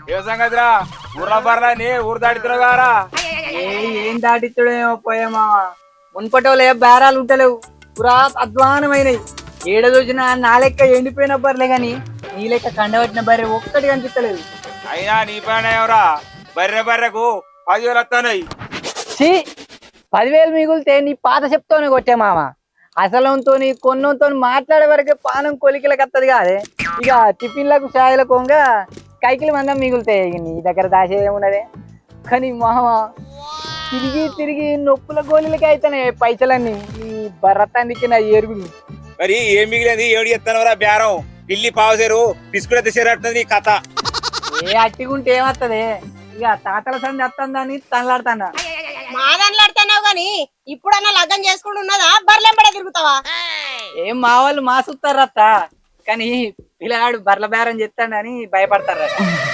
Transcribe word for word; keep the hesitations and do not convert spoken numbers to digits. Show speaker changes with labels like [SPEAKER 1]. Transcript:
[SPEAKER 1] ఏ సంగతిరా ఊర్ల బర్లని ఊరు దాటితున్నావు గారా?
[SPEAKER 2] ఏ ఏం దాటిత్తుడేమో పోయేమా మున్పటోలే బేరాలు ఉంటలేవు పురా అధ్వానమైనవి. ఏడ చూసినా నా లెక్క ఎండిపోయిన బర్లే గాని నీ లెక్క కండబట్టిన బర్రె ఒక్కటి కనిపిస్తలేదు.
[SPEAKER 1] అయినా నీ పైన ఎవరా బర్రె బర్రెకు పదివేలు వస్తున్నాయి.
[SPEAKER 2] ఛీ పదివేలు మిగులితే నీ పాత చెప్తోనే కొట్టే మామ. అసలంతో కొన్నంతో మాట్లాడే వరకే పానం కొలికలకు వస్తుంది కాదే. ఇక టిఫిన్లకు ఛాయలకు కొంగా కైకిలు మందం మిగులుతాయి. ఇక నీ దగ్గర దాచే ఏమున్నదే. కానీ మామ తిరిగి తిరిగి నొప్పుల గోళీలకి అయితేనే పైసలన్నీ ఈ బర్రతానికి నా ఎరుగుడు.
[SPEAKER 1] మరి ఏం మిగిలింది ఏడు ఎత్తనవరా బేరం? పిల్లి పావుసేరు బిస్కుట్ తెచ్చేరట్టుంది నీ కథ.
[SPEAKER 2] ఏ అట్టిగుంటే ఏమత్తదే. ఇక తాతల సంది వస్తుందని తనలాడుతానా.
[SPEAKER 3] మాదన్లాడుతున్నావు గాని ఇప్పుడన్నా లగ్గం చేసుకుంటూ ఉన్నదా బర్లెంబడే తిరుగుతావా?
[SPEAKER 2] ఏం మా వాళ్ళు మాసుతారత్త కానీ పిల్లగాడు బర్ల బేరం చెప్తాడని భయపడతారట.